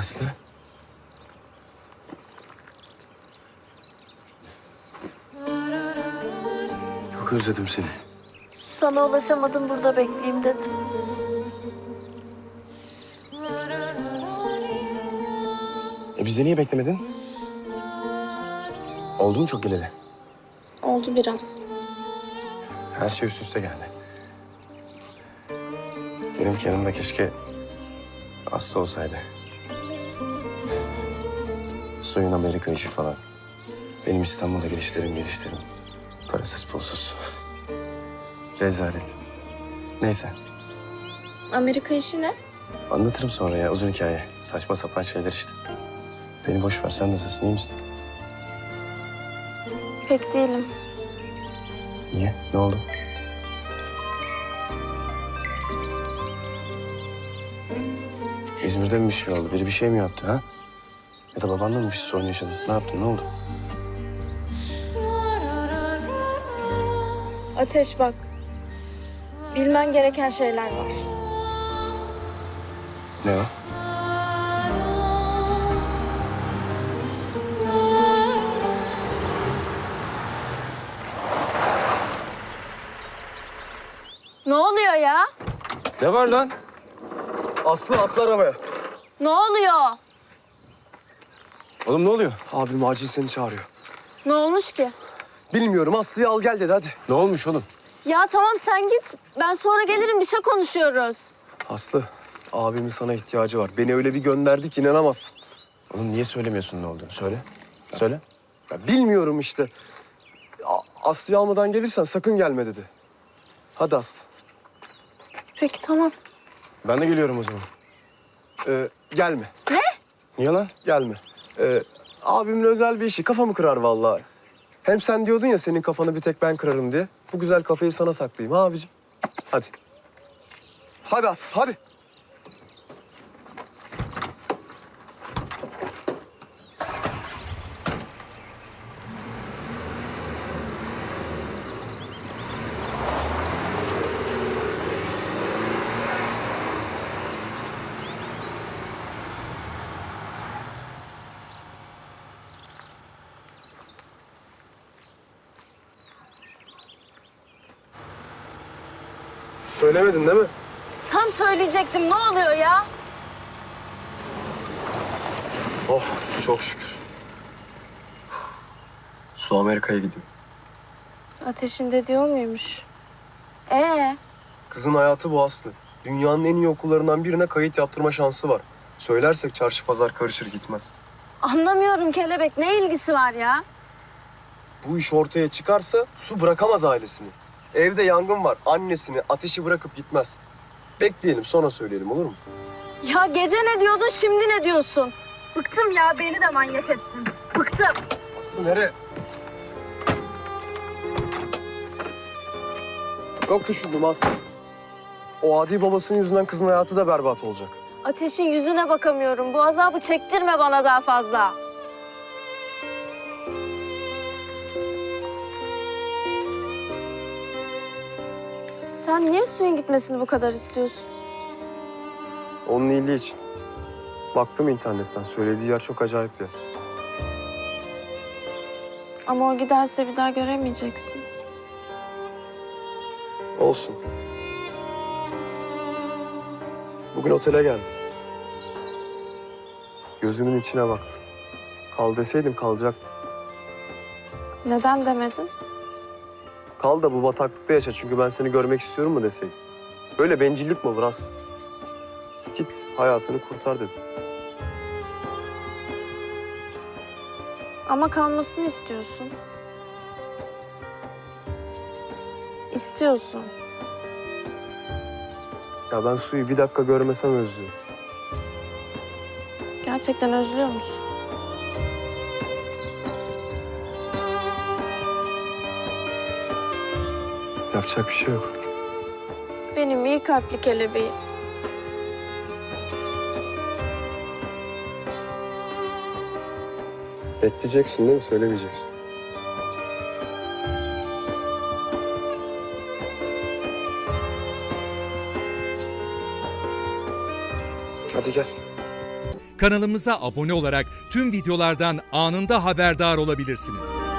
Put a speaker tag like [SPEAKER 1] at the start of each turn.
[SPEAKER 1] Aslı. Çok özledim seni.
[SPEAKER 2] Sana ulaşamadım, burada bekleyeyim dedim.
[SPEAKER 1] Bizde niye beklemedin? Oldu mu çok geleli?
[SPEAKER 2] Oldu biraz.
[SPEAKER 1] Her şey üst üste geldi. Dedim ki yanımda keşke Aslı olsaydı. Suyun Amerika işi falan. Benim İstanbul'a gelişlerim. Parasız pulsuz. Rezalet. Neyse.
[SPEAKER 2] Amerika işi ne?
[SPEAKER 1] Anlatırım sonra ya. Uzun hikaye. Saçma sapan şeyler işte. Beni boş ver. Sen nasılsın? İyi misin?
[SPEAKER 2] Pek değilim.
[SPEAKER 1] Niye? Ne oldu? İzmir'de mi bir şey oldu? Biri bir şey mi yaptı ha? Ya da babanla mı bir sorun yaşadın? Ne yaptın? Ne oldu?
[SPEAKER 2] Ateş bak. Bilmen gereken şeyler var.
[SPEAKER 1] Ne o?
[SPEAKER 2] Ne oluyor ya?
[SPEAKER 1] Ne var lan?
[SPEAKER 3] Aslı atla arabaya.
[SPEAKER 2] Ne oluyor?
[SPEAKER 1] Oğlum ne oluyor?
[SPEAKER 3] Abim acil seni çağırıyor.
[SPEAKER 2] Ne olmuş ki?
[SPEAKER 3] Bilmiyorum, Aslı'yı al gel dedi hadi.
[SPEAKER 1] Ne olmuş oğlum?
[SPEAKER 2] Ya tamam sen git. Ben sonra gelirim, bir şey konuşuyoruz.
[SPEAKER 3] Aslı, abimin sana ihtiyacı var. Beni öyle bir gönderdi ki inanamazsın.
[SPEAKER 1] Oğlum niye söylemiyorsun ne olduğunu? Söyle. Söyle.
[SPEAKER 3] Ya bilmiyorum işte. Aslı'yı almadan gelirsen sakın gelme dedi. Hadi Aslı.
[SPEAKER 2] Peki tamam.
[SPEAKER 1] Ben de geliyorum o zaman.
[SPEAKER 3] Gelme,
[SPEAKER 1] Niye lan?
[SPEAKER 3] gelme. Abimin özel bir işi, kafamı kırar vallahi. Hem sen diyordun ya senin kafanı bir tek ben kırarım diye. Bu güzel kafayı sana saklayayım ha abicim. Hadi. Hadi Aslı, hadi. Söylemedin değil mi?
[SPEAKER 2] Tam söyleyecektim. Ne oluyor ya?
[SPEAKER 3] Oh, çok şükür. Su Amerika'ya gidiyor.
[SPEAKER 2] Ateşin de diyor muymuş?
[SPEAKER 3] Kızın hayatı bu Aslı. Dünyanın en iyi okullarından birine kayıt yaptırma şansı var. Söylersek çarşı pazar karışır gitmez.
[SPEAKER 2] Anlamıyorum kelebek. Ne ilgisi var ya?
[SPEAKER 3] Bu iş ortaya çıkarsa Su bırakamaz ailesini. Evde yangın var. Annesini, ateşi bırakıp gitmez. Bekleyelim, sonra söyleyelim, olur mu?
[SPEAKER 2] Ya gece ne diyordun, şimdi ne diyorsun? Bıktım ya, beni de manyak ettin. Bıktım.
[SPEAKER 3] Aslı nereye? Çok düşündüm Aslı. O adi babasının yüzünden kızın hayatı da berbat olacak.
[SPEAKER 2] Ateşin yüzüne bakamıyorum. Bu azabı çektirme bana daha fazla. Sen niye suyun gitmesini bu kadar istiyorsun?
[SPEAKER 3] Onun iyiliği için. Baktım internetten. Söylediği yer çok acayip ya.
[SPEAKER 2] Ama o giderse bir daha göremeyeceksin.
[SPEAKER 3] Olsun. Bugün otele geldi. Gözümün içine baktı. Kal deseydim kalacaktı.
[SPEAKER 2] Neden demedin?
[SPEAKER 3] Kal da bu bataklıkta yaşa çünkü ben seni görmek istiyorum mu deseydim. Böyle bencillik mi olur Aslı? Git hayatını kurtar dedim.
[SPEAKER 2] Ama kalmasını istiyorsun. İstiyorsun.
[SPEAKER 3] Ya ben Su'yu bir dakika görmesem özlüyorum.
[SPEAKER 2] Gerçekten özlüyor musun?
[SPEAKER 3] Yapacak bir şey yok.
[SPEAKER 2] Benim iyi kalpli kelebeğim.
[SPEAKER 3] Bekleyeceksin değil mi? Söylemeyeceksin. Hadi gel.
[SPEAKER 4] Kanalımıza abone olarak tüm videolardan anında haberdar olabilirsiniz.